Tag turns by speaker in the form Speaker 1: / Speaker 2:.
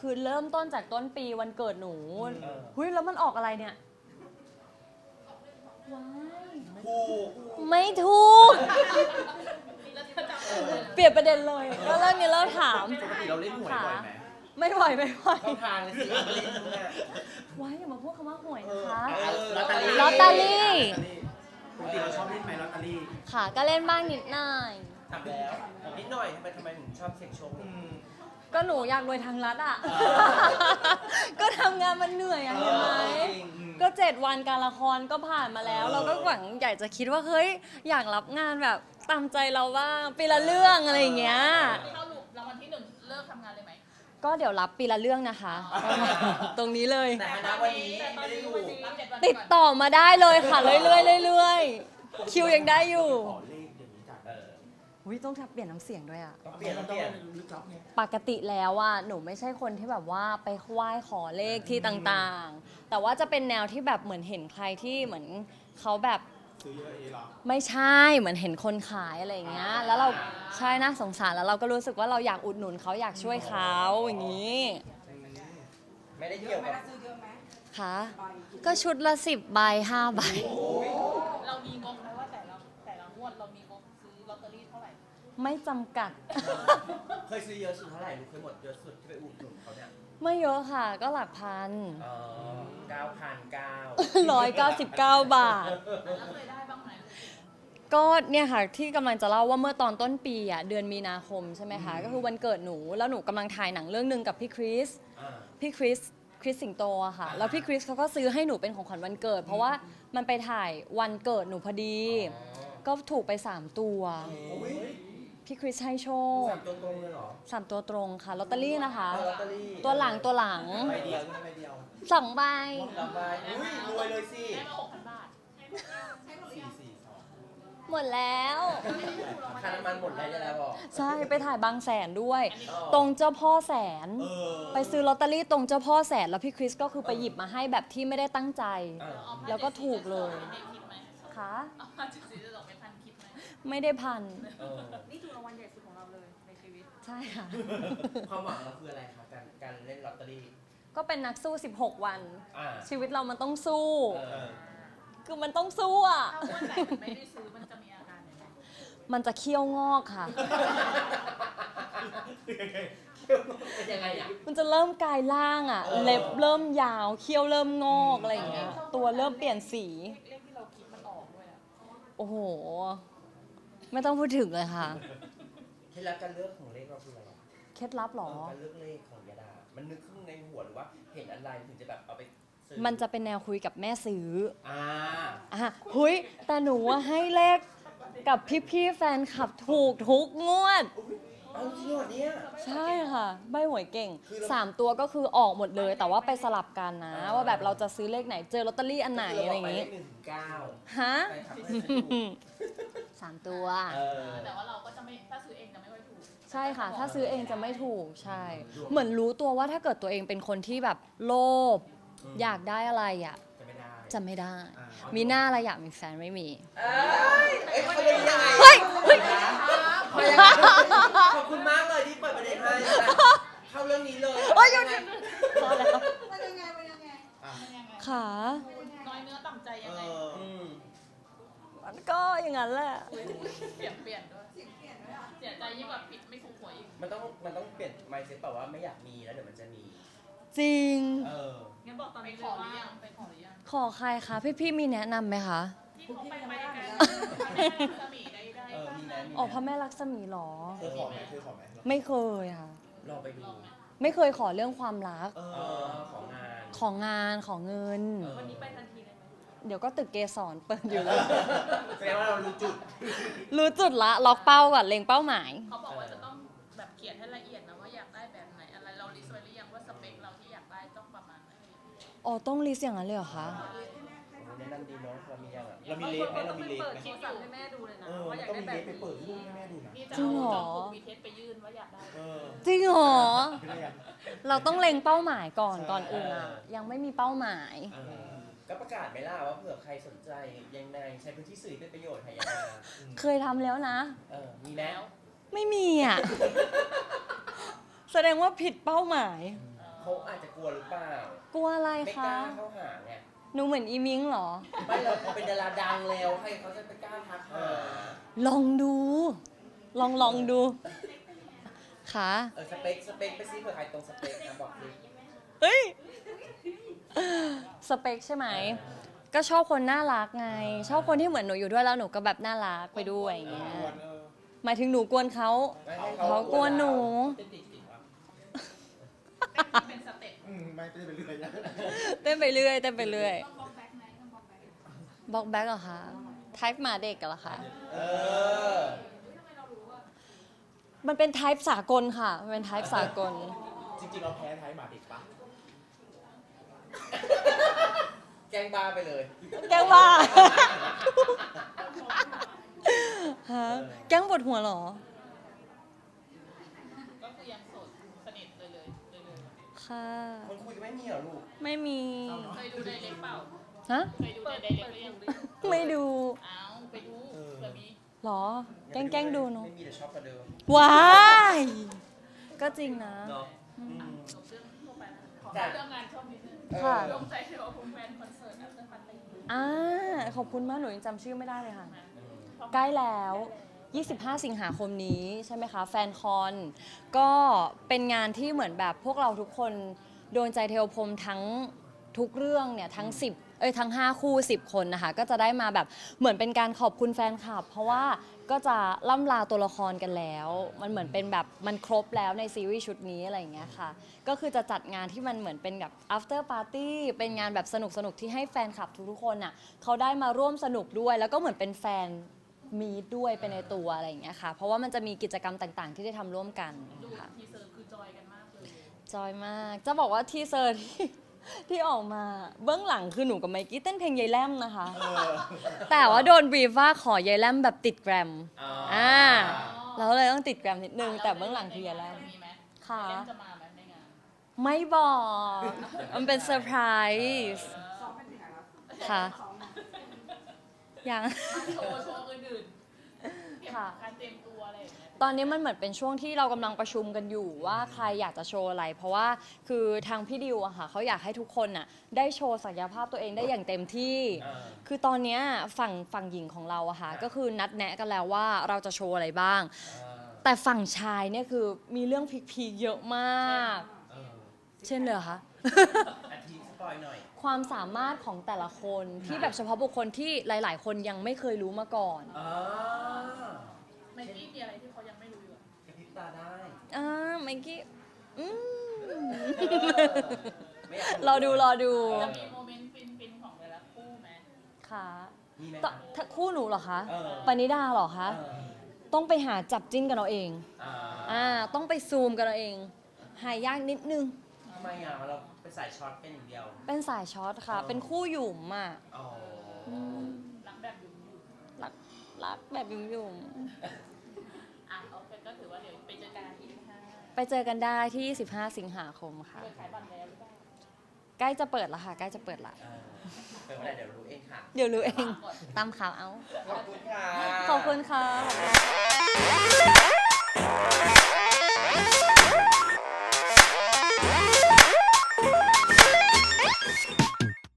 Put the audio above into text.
Speaker 1: คือเริ่มต้นจากต้นปีวันเกิดหนูเฮ้ยแล้วมันออกอะไรเนี่ยว้ายไม่ถูกเปลี่ยนประเด็นเลยก็เรื่องนี้เราถาม
Speaker 2: ปกติเราเล่นหวยบ่อยไหม
Speaker 1: ไม่บ่อยไม่บ่อย
Speaker 2: เข้าทางเลยสิเล่นเนี่ย
Speaker 1: ว้ายอย่ามาพูดคำว่าหวยนะคะ
Speaker 2: ลอตเตอรี่
Speaker 1: ลอตเตอรี่
Speaker 2: ปกติเราชอบเล่นไหมลอตเตอรี่
Speaker 1: ค่ะก็เล่นบ้างนิดหน่อย
Speaker 2: ถามแล้วนิดหน่อยทำไมถึงชอบเสี่ยงโชค
Speaker 1: ก็หนูอยากรวยทางรัฐอ่ะ ก็ทำงานมันเหนื่อยอะเห็นไหมก็7 วันการละครก็ผ่านมาแล้ว เราก็หวังอยากจะคิดว่าเฮ้ยอยากรับงานแบบตามใจเราบ้างปีละเรื่องอะไรอย่างเงี้ย
Speaker 3: เข้าหลุมรางวัลที่1เลิกทำงานเลยไหม
Speaker 1: ก็เดี๋ยวรับปีละเรื่องนะคะ ตรงนี้เลย
Speaker 2: แต่ณวันนี้ไม่ได้ถูก
Speaker 3: รับ7 วัน
Speaker 1: ติดต่อมาได้เลยค่ะเรื่อยๆเรื่อยๆคิวยังได้อยู่
Speaker 2: ขอเลขเดี๋ยวนี้จ้ะ
Speaker 1: อุ้ยต้องเปลี่ยนน้ำเสียงด้วยอ่ะ
Speaker 2: ต้องเปลี่ยนต้องเปลี่ยน
Speaker 1: ปกติแล้วอ่ะหนูไม่ใช่คนที่แบบว่าไปไหว้ขอเลขที่ต่างๆ แต่ว่าจะเป็นแนวที่แบบเหมือนเห็นใครที่เหมือนเขาแบบ
Speaker 4: ซื้อเยอะเองเหรอ
Speaker 1: ไม่ใช่เหมือนเห็นคนขายอะไรอย่างเงี้ยแล้วเราใช่น่าสงสารแล้วเราก็รู้สึกว่าเราอยากอุดหนุนเขาอยากช่วยเขาอย่างนี้
Speaker 2: ไม่ได้เกี่ยวกับ
Speaker 1: ค่ะก็ชุดละ10 ใบ 5 ใบ
Speaker 3: เรามีงบไหมว่าแต่ละงวดเรามีงบซื้อลอตเตอรี่เท่าไหร่
Speaker 1: ไม่จำกัด
Speaker 2: เคยซื้อเยอะสุดเท่าไหร่ลูกเคยหมดเยอะสุดที่ไปอุดหนุนเขาเนี่ย
Speaker 1: ไม่เยอะค่ะก็หลักพัน
Speaker 2: 9,900
Speaker 1: 199 บาท
Speaker 3: แล้วเคยได้บ้างไหม
Speaker 1: ก็เนี่ยค่ะที่กำลังจะเล่าว่าเมื่อตอนต้นปีอ่ะเดือนมีนาคมใช่ไหมคะก็คือวันเกิดหนูแล้วหนูกำลังถ่ายหนังเรื่องหนึ่งกับพี่คริสสิงโตอะค่ะแล้วพี่คริสเขาก็ซื้อให้หนูเป็นของขวัญวันเกิด เพราะว่ามันไปถ่ายวันเกิดหนูพอดี ก็ถูกไป3 ตัวพี่คริสให้โชค
Speaker 2: 3 ตัวตรงเลยเหรอ
Speaker 1: 3 ตัวตรงค่ะลอตเตอรี่นะคะ
Speaker 2: ลอตเตอรี่
Speaker 1: ตัวหลัง
Speaker 2: ใบเดียวใบเดียว
Speaker 1: 2 ใบ
Speaker 2: 2 ใบอุ้ยรวยเลยสิ
Speaker 3: ได้มา6,000 บาท
Speaker 1: หมดแล้ว
Speaker 2: ค่าน้ำมันหมดเลยแล้วบอก
Speaker 1: ใช่ไปถ่ายบางแสนด้วย ตรงเจ้าพ่อแสน ไปซื้อลอตเตอรี่ตรงเจ้าพ่อแสนแล้วพี่คริสก็คือไปหยิบมาให้แบบที่ไม่ได้ตั้งใจ แล้วก็ถูกเลย
Speaker 3: ได้คิดไหม
Speaker 1: ค่ะ
Speaker 3: เอามาจุดสีจะตกเป็นพันคิดไหม
Speaker 1: ไม่ได้พัน
Speaker 3: นี่ถูกรางวัลใหญ่สุดของเราเลยในชีวิต
Speaker 1: ใช่ค่ะ
Speaker 2: ความหวังเราคืออะไรคะการเล่นลอตเตอรี่
Speaker 1: ก็เป็นนักสู้ 16 วัน
Speaker 2: อ่า
Speaker 1: ชีวิตเรามันต้องสู้
Speaker 2: เออ
Speaker 1: คือมันต้องสู้อ่ะ
Speaker 3: ถ้างวดไหนมันไม่ได้ซื้อมันจะมีอาการยังไง
Speaker 1: มันจะเคี้ยวงอกค่ะ
Speaker 2: เป็นยังไงอ่ะ
Speaker 1: มันจะเริ่มกลายร่างอ่ะ เล็บเริ่มยาว เคี้ยวเริ่มงอกอะไรอย่างเงี้ย ตัวเริ่มเปลี่ยนสี
Speaker 3: เลขที่เราคิดมันออกด้วยอะ
Speaker 1: โอ้โห ไม่ต้องพูดถึงเลยค่ะ
Speaker 2: เคล็ดลับการเลือกของเลขเราคืออะไร
Speaker 1: เคล็ดลับเหรอ
Speaker 2: การเลือกเลขของยาดา มันนึกขึ้นในหัวหรือว่าเห็นอะไรถึงจะแบบเอาไปซื้อ
Speaker 1: มันจะเป็นแนวคุยกับแม่ซื้อ
Speaker 2: อ่า
Speaker 1: หุยแต่หนูว่าให้เลขกับพี่ๆแฟนคลับถูกทุกงวด
Speaker 2: เอาจริงเหรอเนี่ย
Speaker 1: ใช่ค่ะใบหวยเก่ง 3 ตัวก็คือออกหมดเลย แต่ว่าไปสลับกันนะ ว่าแบบเราจะซื้อเลขไหนเจอลอตเตอรี่อันไหนอะไรอย่าง
Speaker 2: นี้
Speaker 1: งี้
Speaker 2: 1-9
Speaker 1: ฮะ
Speaker 2: ไปครับให้ซื้อถูก
Speaker 1: 3 ตัว
Speaker 2: เออ
Speaker 3: แต่ว่าเราก็จะไม่ถ้าซื้อเองจะไม่ค่อยถูก
Speaker 1: ใช่ค่ะ ถ้าซื้อเองจะไม่ถูกใช่ เหมือนรู้ตัวว่าถ้าเกิดตัวเองเป็นคนที่แบบโลภอยากได้อะไรอ่ะ
Speaker 2: จะไม่ได้
Speaker 1: จะไม่ได้
Speaker 2: อ่า
Speaker 1: มีหน้าอะไรอยากมีแฟนไม่มี
Speaker 2: เขาเป็นยังไง
Speaker 1: เฮ้ยเฮ้ย
Speaker 2: เขายังไงขอบคุณมากเลยที่เปิดประเด็นให้เข้าเรื่องนี้เลย
Speaker 1: โอ้ยหยุดพอแล้ว
Speaker 3: มันยังไงมันยังไง
Speaker 1: ขา
Speaker 3: น้อยเนื้อต่ำใจ
Speaker 2: เอ
Speaker 3: ยังไง
Speaker 2: อ
Speaker 1: มันก็อย่างนั้นแหละ
Speaker 3: เปลี่ยนด้วยเสียใจยิ่งกว่าผิดไม่ถูกหวยอีก
Speaker 2: มันต้องเปลี่ยน mindset แบบว่าไม่อยากมีแล้วเดี๋ยวมันจะมี
Speaker 1: จริง
Speaker 2: เออ
Speaker 3: งั้นบอกตอนนี้เลยว่าไปขอหรือยัง
Speaker 1: ขอใครคะพี่ๆมีแนะนำไหมคะ
Speaker 3: ที่เขาไปกันสมีได้
Speaker 2: เออ มีนะมีนะ
Speaker 1: อ๋อพระแม่ลักษมีเหรอ
Speaker 4: เคยขอไหมเคยขอไหม
Speaker 1: ไม่เคยค่ะ
Speaker 2: ลองไปดู
Speaker 1: ไม่เคยขอเรื่องความรัก
Speaker 2: เออ ของงาน
Speaker 1: ของงานของเงิน
Speaker 3: วันนี้ไปทันทีเลยไหม
Speaker 1: เดี๋ยวก็ตึกเกสรเปิดอยู่แล้ว
Speaker 2: แสดงว่าเรารู้จุด
Speaker 1: รู้จุดละล็อกเป้าก่อนเล็งเป้าหมาย
Speaker 3: เขาบอกว่าจะต้องแบบเขียนให้ละเอียดนะว่าอยากได้แบบไหนอะไรเราลิสต์ไว้หรือยังว่าสเปคเราที่อยากได้ต้องประมาณไหน
Speaker 1: อ๋อต้องลิสต์อย่างนั้นเลยเหรอคะ
Speaker 2: แนะนำดีเนาะเรามียังอ่ะ
Speaker 4: เรามีเลฟไหมเรามีเลฟ
Speaker 3: เปิด
Speaker 4: ไหม
Speaker 3: คลิปสั่งให้แม่ดูเลยนะ
Speaker 4: เออ
Speaker 3: ว่า
Speaker 4: มัน
Speaker 3: อยาก
Speaker 4: ต้อง
Speaker 3: ได้
Speaker 4: มี
Speaker 3: แบ
Speaker 4: เลฟ
Speaker 3: บ
Speaker 4: ไปเปิดรูปให้แม่ดูนะ
Speaker 3: นี่จะ
Speaker 1: จริงเหรอ
Speaker 3: มีเทสไปยื่นว่าอยากได้
Speaker 4: เออ
Speaker 1: จริงเหรอ
Speaker 4: ไม่ได้ยัง
Speaker 1: เราต้องเล็งเป้าหมายก่อน
Speaker 4: ใช่
Speaker 1: ก่อนอื่นอ่ะ ยังไม่มีเป้าหมาย
Speaker 2: เออก็ประกาศไหมล่ะว่าเผื่อใครสนใจยังไงใช้พื้นที่สื่อเป็นประโยชน์ให้ยาดา
Speaker 1: เคยทำแล้วนะ
Speaker 2: มีแล้ว
Speaker 1: ไม่มีอ่ะ แสดงว่าผิดเป้าหมาย
Speaker 2: เเขาอาจจะกลัวหรือเปล่าก
Speaker 1: ลัวอะไร
Speaker 2: ไม่ก
Speaker 1: คะ
Speaker 2: ล้าเข้าหาไง
Speaker 1: หนูเหมือนอีมิงเหรอ
Speaker 2: ไม่เราเป็นดาราดังแล้วใครเขาจะไปกล้าทักหา
Speaker 1: ลองดู ลองดูค่ะ
Speaker 2: สเปคไปซิเผื่อใครตรงสเปคนะบอกสิ
Speaker 1: เฮ้ย สเปคใช่ไหม ก็ชอบคนน่ารักไง ชอบคนที่เหมือนหนูอยู่ด้วยแล้วหนูก็แบบน่ารักไปด้วยอย่างเงี้ย หมายถึงหนูกวนเขา
Speaker 2: ไม่ให้
Speaker 1: เขากวนหนู
Speaker 3: เป็นติดวะเป็นสเต็ป
Speaker 4: ไม่ได้ไปเรื่อยนะ
Speaker 1: เต้นไปเรื่อยเต้นไปเรื่อย
Speaker 3: ต้องบล็อกแบ็คไหมต้องบล็อกแบ็ค
Speaker 1: บล็อกแบ็กเหรอคะไทป์หมาเด็กเหรอคะ
Speaker 2: เออ
Speaker 1: มันเป็นไทป์สากลค่ะ มันเป็นไทป์สากล
Speaker 4: จริงๆเราแพ้ไทยหมาเด็กปะ
Speaker 2: แกล้งบ้าไปเลย
Speaker 1: แกล้งบ้า ฮะแกล้งปวดหัวเหรอ
Speaker 3: ก็คือยังโสดสนิทเลย
Speaker 1: ค่ะ
Speaker 2: คนคุยไม่มีเหรอลูก
Speaker 1: ไม่มี
Speaker 3: เคยดูไดเรกเปล่า
Speaker 1: ฮะ
Speaker 3: เคยดูในไดเรกหรือยัง
Speaker 1: ไม่ดู
Speaker 3: อ้าวไปดูเผื่อมี
Speaker 1: เหรอ แกล้งดูเนาะ
Speaker 2: ไม่มีแต่ชอบกว่าเดิม
Speaker 1: ว้าย ก็จริงนะ
Speaker 2: เนาะ
Speaker 3: จบเรื่องทั่วไปแล้วขอ
Speaker 2: จ้ะ
Speaker 3: เรื่องงานชอบนิดนึง
Speaker 1: ค่ะ
Speaker 3: ลงใจเทวภูมิแมนคอนเสิร์ตอัพเตอร์ปาร์ตี้
Speaker 1: ขอบคุณมากหนูยังจำชื่อไม่ได้เลยค่ะ ใกล้แล้ว 25 สิงหาคมนี้ใช่ไหมคะ แฟนคอน ก็เป็นงานที่เหมือนแบบพวกเราทุกคนโดนใจเทวพรหมทั้งทุกเรื่องเนี่ยทั้งทั้ง 5 คู่ 10 คนนะคะ ก็จะได้มาแบบเหมือนเป็นการขอบคุณแฟนคลับ เพราะว่าก็จะล่ำลาตัวละครกันแล้ว มันเหมือนเป็นแบบมันครบแล้วในซีรีส์ชุดนี้อะไรอย่างเงี้ยค่ะ ก็คือจะจัดงานที่มันเหมือนเป็นแบบ after party เป็นงานแบบสนุกๆที่ให้แฟนคลับทุกๆคนอ่ะเขาได้มาร่วมสนุกด้วย แล้วก็เหมือนเป็นแฟนมีดด้วยไปในตัวอะไรอย่างเงี้ยค่ะ เพราะว่ามันจะมีกิจกรรมต่างๆ ที่ได้ทำร่วมกัน
Speaker 3: ดู
Speaker 1: ค่ะ
Speaker 3: ทีเซอร์คือจอยกันมากเลย
Speaker 1: จอยมาก จะบอกว่าทีเซอร์ที่ออกมาเบื้องหลังคือหนูกับไมกี้เต้นเพลงยายแลมนะคะ แต่ว่าโดนบรีฟว่าขอยายแลมแบบติดแกรม เราเลยต้องติดแกรมนิดนึง แต่เบื้องหลังคือยายแลม
Speaker 3: มีไหม
Speaker 1: ค่ะ
Speaker 3: เล่นจะมาไหมในงาน
Speaker 1: ไม่บอก มันเป็นเซอร์ไพรส์ค่ะ ยัง
Speaker 3: โชว์อื่นๆเตรียม
Speaker 1: ค่ะ
Speaker 3: การเตรียมตัวอะไรอย่างเงี้ย
Speaker 1: ตอนนี้มันเหมือนเป็นช่วงที่เรากำลังประชุมกันอยู่ว่าใครอยากจะโชว์อะไร เพราะว่าคือทางพี่ดิวอะค่ะเขาอยากให้ทุกคนน่ะได้โชว์ศักยภาพตัวเองได้อย่างเต็มที่ คือตอนเนี้ยฝั่งหญิงของเราอะค่ะก็คือนัดแนะกันแล้วว่าเราจะโชว์อะไรบ้าง แต่ฝั่งชายเนี่ยคือมีเรื่องพีคๆเยอะมาก เช่นเลยเหรอคะ
Speaker 2: อาทิตย์สปอยหน่อย
Speaker 1: ความสามารถของแต่ละคนที่แบบเฉพาะบุคคลที่หลาย ๆ คนยังไม่เคยรู้มาก่อน
Speaker 3: ไมกี้มีอะไรที่เขายังไม่รู้อยู่อะ
Speaker 2: กระพริบตาได้
Speaker 1: ไมกี้อืม
Speaker 2: ไม่อยาก
Speaker 1: รอดู
Speaker 3: จะมีโมเมนต์ฟินๆของแต่ละคู่ไหม
Speaker 1: ค่ะ
Speaker 2: มีไหม
Speaker 1: ถ้าคู่หนูเหรอคะ
Speaker 2: เออ
Speaker 1: ปณิดาเหรอคะ
Speaker 2: เออ
Speaker 1: ต้องไปหาจับจิ้นกันเอาเอง
Speaker 2: อ่า
Speaker 1: ต้องไปซูมกันเอาเอง หายากนิดนึง
Speaker 2: ทำไมเราเป็นสายช็อตเป็นอย่างเดียว
Speaker 1: เป็นสายช็อตค่ะ เป็นคู่หยุ่มอ่ะ
Speaker 2: อ๋อ
Speaker 3: รักแบบอยู่
Speaker 1: รักแบบหยุ่ม
Speaker 3: อ่ะโอเคก็ถือว่าเดี๋ยวไปเจอกันที่ห้า
Speaker 1: ๆไปเจอกันได้ที่ 15 สิงหาคมค่ะ
Speaker 3: เปิดขายบัตรแล้วหรือเปล่า
Speaker 1: ใกล้จะเปิดแล้วค่ะ ใกล้จะเปิดละ
Speaker 2: เป็นอะไรเดี๋ยวรู้เองค่ะ
Speaker 1: เดี๋ยวรู้เอง ตามข่าวเอา
Speaker 2: ขอบคุณค่ะ
Speaker 1: ขอบคุณค่ะ